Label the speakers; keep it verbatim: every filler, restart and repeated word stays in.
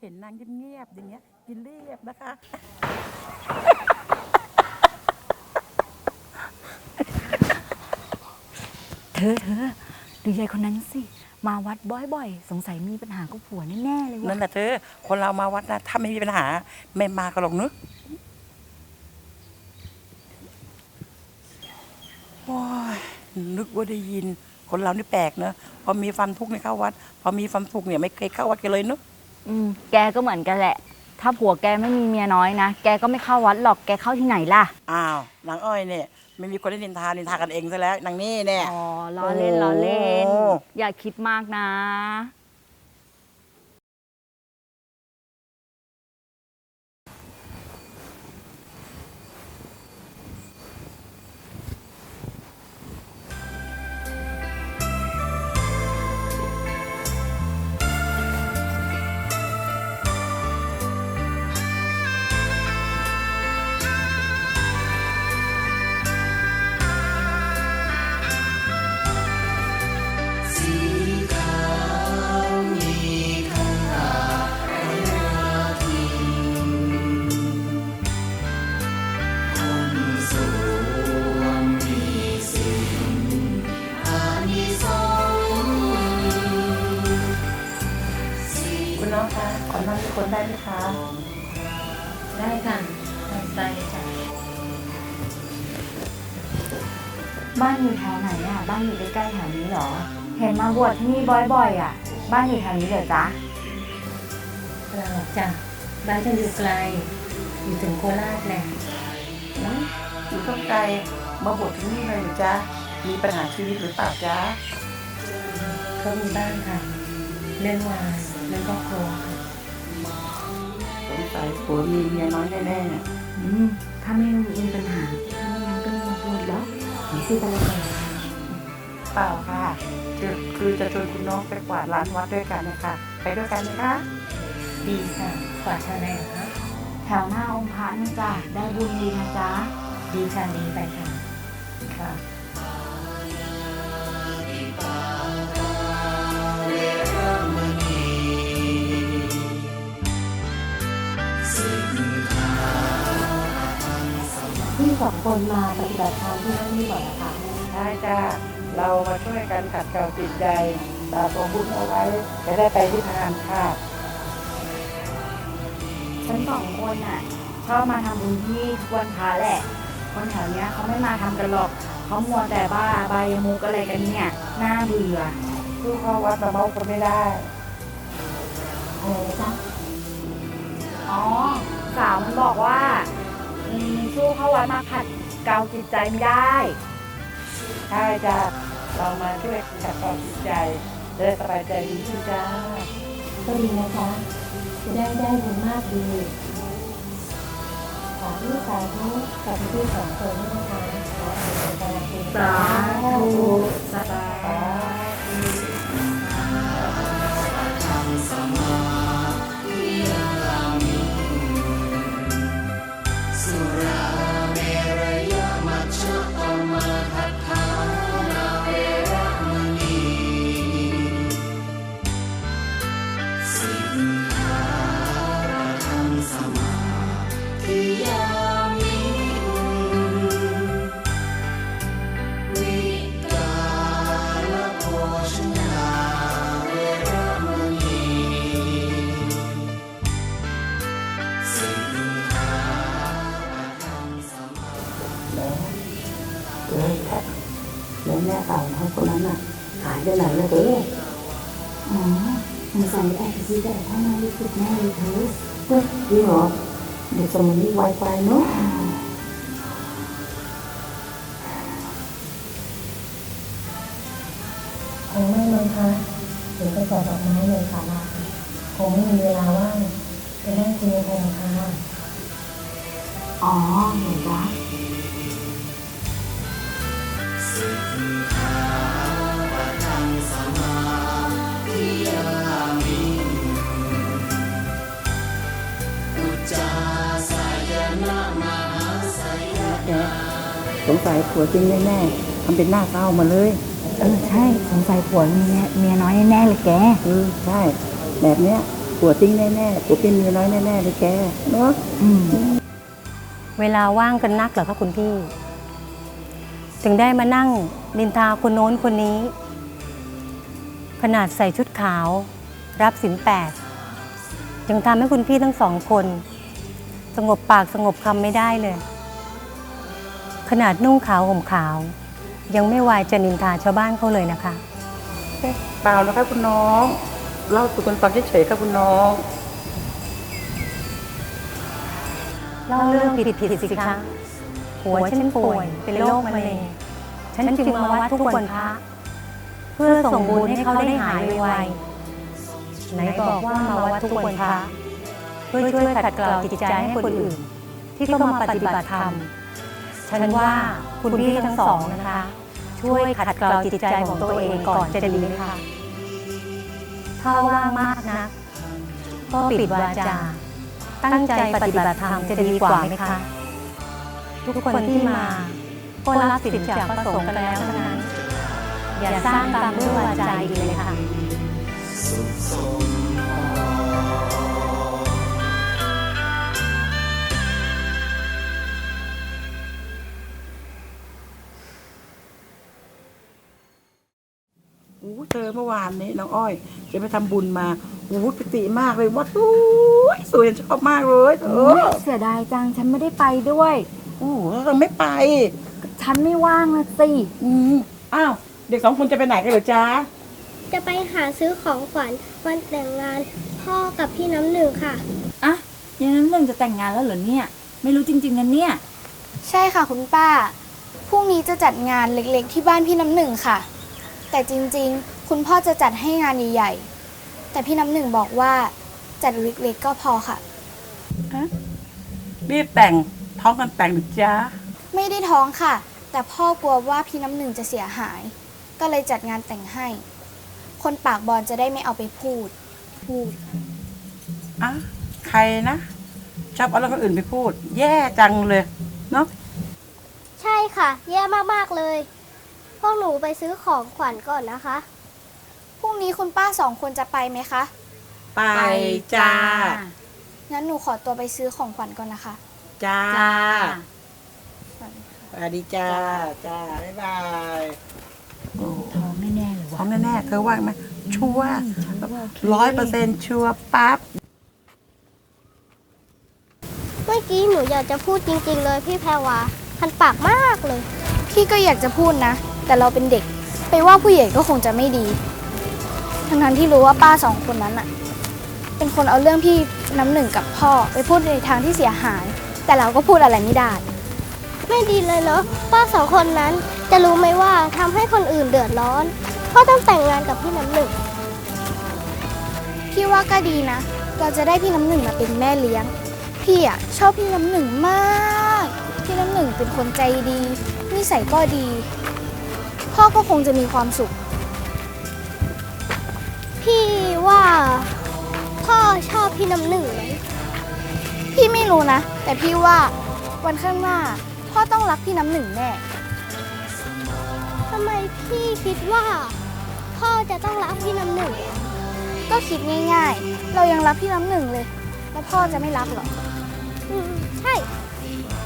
Speaker 1: เห็นนางเงียบๆอย่างเงี้ยกินเรียบนะคะ
Speaker 2: เธอเธอดูยายคนนั้นสิมาวัดบ่อยๆสงสัยมีปัญหากับผัวแน่ๆเลย
Speaker 1: นั่
Speaker 2: ว่ะ
Speaker 1: นแหละเธอคนเรามาวัดนะถ้าไม่มีปัญหาไม่มากันหรอกเนอะโอ้ยนึกว่าได้ยินคนเรานี่แปลกเนอะพอมีความทุกข์เนี่ยเข้าวัด พอมีความสุขเนี่ยไม่เคยเข้าวัดกันเลยเนอะ
Speaker 2: อืมแกก็เหมือนกันแหละ ถ้าผัวแกไม่มีเมียน้อยนะแกก็ไม่เข้าวัดหรอกแกเข้าที่ไหนล่ะ
Speaker 1: อ้าวนางอ้อยเนี่ยไม่มีคนได้นินทานินทากันเองซะแล้วนางนี่เนี่ย
Speaker 2: อ๋อล้อเล่นล้อเล่น
Speaker 1: โอ้
Speaker 2: อย่าคิดมากนะ
Speaker 1: คุณน้องคะขอนั่งทุกคนได้ไหมคะ
Speaker 3: ได้ค่ะได้ค่ะ
Speaker 2: บ้านอยู่แถวไหนอ่ะบ้านอยู่ใกล้ๆแถวนี้เหรอ เห็นมาบวชที่นี่บ่อยๆอ่ะบ้านอยู่แถวนี้เหรอจ๊ะ
Speaker 3: เราจ้ะบ้านจะอยู่ไกล อยู่ถึงโคราชแหละ
Speaker 1: อุ๊ยอยู่ต้องไกลมาบวชที่นี่เลยเหรอจ๊ะมีปัญหาชีวิตหรือเปล่าจ๊ะ
Speaker 3: ก็มีบ้างค่ะ เรื่องงานเรื่องครอบครัวค่ะ
Speaker 1: สงสัยผัวมีเมียน้อยแน่
Speaker 2: อืมถ้าไม่มีปัญหาถ้าไม่งั้นก็ไม่มาบวชหรอกหนีสิไปเลยก่อน
Speaker 1: ๆเปล่าค่ะคือคือจะชวนคุณน้องไปกวาดลานวัดด้วยกันนะคะไปด้วยกันไหมคะ
Speaker 3: ดีค่ะกว่าชาแนลคะ
Speaker 2: แถวหน้าองค์พระนี่จ้ะได้บุญดีนะจ๊ะ
Speaker 3: ดีค่ะดีไปค่ะ
Speaker 1: ค่ะ
Speaker 3: พี่สองคนมาปฏิบัติธรรมที่นี่บ่อยนะคะ
Speaker 1: ใช่จ้าเรามาช่วยกันขัดเกลาจิตใจสะสมบุญเอาไว้จะได้ไปที่ทานค่ะ
Speaker 2: ฉันสองคนน่ะชอบมาทำบุญที่ทุกวันพระแหละ คนแถวเนี้ยเขาไม่มาทำกันหรอกเขามัวแต่บ้าใบายมุกอะไรกันเนี่ยน่าเบื่อ
Speaker 1: ผู้เข้าวัดมาเมากันไม่ได้
Speaker 2: อะไรนะจ๊ะอ๋อสาวมันบอกว่าอืมสู้เข้าวัดมาขัดเกลาจิตใจไม่ได้
Speaker 1: ใช่จ้าเรามาช่วยขัดเกลาจิตใจจะได้สบายใจดีขึ้นจ้า
Speaker 3: ก็ดีนะคะจะได้ได้บุญมากดีขอที่สาธุกับพี่สองคนด้วยนะคะขอให้เป็นกำลังใจ
Speaker 2: สาธุสาธุ
Speaker 1: เลยแค่แล้วแม่สาวเขาคนนั้นน่ะหายไปไหนแล้วเด้อ
Speaker 2: อ๋อสงสัยแอบไปซื้อแต่ถ้ามารู้สึกแน่เลยเธอ
Speaker 1: เฮ้ยจริงเหรอเด็กสมัยนี้ไวไฟเนาะ
Speaker 3: คงไม่มั้งคะเดี๋ยวไปจัดดอกไม้เลยค่ะลาคงไม่มีเวลาว่างไปนั่งกินกันค่ะ
Speaker 2: อ๋อเห็นจ้ะ
Speaker 1: แกสงสัยผัวจริงแน่ๆทำเป็นหน้าเศร้ามาเลย
Speaker 2: เออใช่สงสัยผัวมีเมียเมียน้อยแน่ๆเลยแก
Speaker 1: เออใช่ แบบเนี้ยผัวทิ้งแน่ๆผัวเป็นเมียน้อยแน่ๆเลยแกเนาะ
Speaker 4: เวลาว่างกันนักเหรอคะคุณพี่ ถึงได้มานั่งนินทาคนโน้นคนนี้ ขนาดใส่ชุดขาว รับศีลแปดยังทำให้คุณพี่ทั้งสองคน สงบปากสงบคำไม่ได้เลย ขนาดนุ่งขาวห่มขาว ยังไม่วายจะนินทาชาวบ้านเขาเลยนะคะ
Speaker 1: เปล่านะคะคุณน้องเล่าสู่กันฟังเฉยๆค่ะคุณน้อง
Speaker 4: เล่าเรื่องผิดผิดสิคะหัวฉันป่วยเป็นโรคมะเร็งฉันจึงมาวัดทุกวันพระเพื่อส่งบุญให้เขาได้หายไวๆไหนบอกว่ามาวัดทุกวันพระเพื่อช่วยขัดเกลาจิตใจให้คนอื่น ที่เข้ามาปฏิบัติธรรมฉันว่าคุณพี่ทั้งสองนะคะ ช่วยขัดเกลาจิตใจของตัวเองก่อนจะดีค่ะถ้าว่างมากนะก็ปิดวาจาตั้งใจปฏิบัติธรรมจะดีกว่าไหมคะทุกคนที่มาก็รับสิทธิ์จากพระสงฆ์กันแล้วทั้งนั้นอย่าสร้างกรรมด้วยวาจาอีกเลยค่ะ
Speaker 1: อู้เธอเมื่อวานนี้น้องอ้อยจะไปทำบุญมาอู้ปิติมากเลยวัดสวยสวยชอบมากเลยเออ
Speaker 2: เสียดายจังฉันไม่ได้ไปด้วย
Speaker 1: อู้เราไม่ไป
Speaker 2: ฉันไม่ว่างนะสิ
Speaker 1: อืมอ้าวเด็กสองคนจะไปไหนกันเหรอจ๊ะ
Speaker 5: จะไปหาซื้อของขวัญวันแต่งงานพ่อกับพี่น้ำหนึ่งค่ะ
Speaker 2: อะยังน้ำหนึ่งจะแต่งงานแล้วเหรอเนี่ย ไม่รู้จริงๆนะเนี่ย
Speaker 6: ใช่ค่ะคุณป้า พรุ่งนี้จะจัดงานเล็กๆที่บ้านพี่น้ำหนึ่งค่ะ แต่จริงๆ คุณพ่อจะจัดให้งานใหญ่ๆ แต่พี่น้ำหนึ่งบอกว่าจัดเล็กๆก็พอค่ะ
Speaker 1: รีบแต่งท้องกันแต่งหรือจ๊ะ
Speaker 6: ไม่ได้ท้องค่ะ แต่พ่อกลัวว่าพี่น้ำหนึ่งจะเสียหาย ก็เลยจัดงานแต่งให้ คนปากบอลจะได้ไม่เอาไปพูด พูด
Speaker 1: อ่ะใครนะชอบเอาเรื่องคนอื่นไปพูด แย่จังเลยเนาะ
Speaker 5: ใช่ค่ะ แย่มากๆเลย พวกหนูไปซื้อของขวัญก่อนนะคะ
Speaker 6: พรุ่งนี้คุณป้าสองคนจะไปไหมคะ
Speaker 1: ไปจ้า
Speaker 6: งั้นหนูขอตัวไปซื้อของขวัญก่อนนะคะ
Speaker 1: จ้า
Speaker 2: จ้า
Speaker 1: สวัสดีจ้าจ้าบ๊ายบายโอ้
Speaker 2: ท้องแน่ๆเลย
Speaker 1: ท้
Speaker 2: วะ
Speaker 1: องแน่ๆเธอว่าไหมชัวร์ร้อยเปอร์เซ็นต์ชัวร์ปั๊บ
Speaker 5: เมื่อกี้หนูอยากจะพูดจริงๆเลยพี่แพรวาคันปากมากเลย
Speaker 6: พี่ก็อยากจะพูดนะ แต่เราเป็นเด็ก ไปว่าผู้ใหญ่ก็คงจะไม่ดี ทั้งๆที่รู้ว่าป้าสองคนนั้นอะเป็นคนเอาเรื่องพี่น้ำหนึ่งกับพ่อไปพูดในทางที่เสียหาย แต่เราก็พูดอะไรไม่ได้
Speaker 5: ไม่ดีเลยเนาะป้าสองคนนั้นจะรู้ไหมว่าทำให้คนอื่นเดือดร้อนเพราะต้องแต่งงานกับพี่น้ำหนึ่ง
Speaker 6: พี่ว่าก็ดีนะ เราจะได้พี่น้ำหนึ่งมาเป็นแม่เลี้ยง พี่อะชอบพี่น้ำหนึ่งมาก พี่น้ำหนึ่งเป็นคนใจดี นิสัยก็ดี พ่อก็คงจะมีความสุข
Speaker 5: พี่ว่าพ่อชอบพี่น้ำหนึ่งไหม
Speaker 6: พี่ไม่รู้นะ แต่พี่ว่าวันข้างหน้า พ่อต้องรักพี่น้ำหนึ่งแน่
Speaker 5: ทำไมพี่คิดว่า พ่อจะต้องรักพี่น้ำหนึ่ง
Speaker 6: ก็คิดง่ายๆ เรายังรักพี่น้ำหนึ่งเลย แล้วพ่อจะไม่รักเหรอ
Speaker 5: อืมใช่
Speaker 6: พ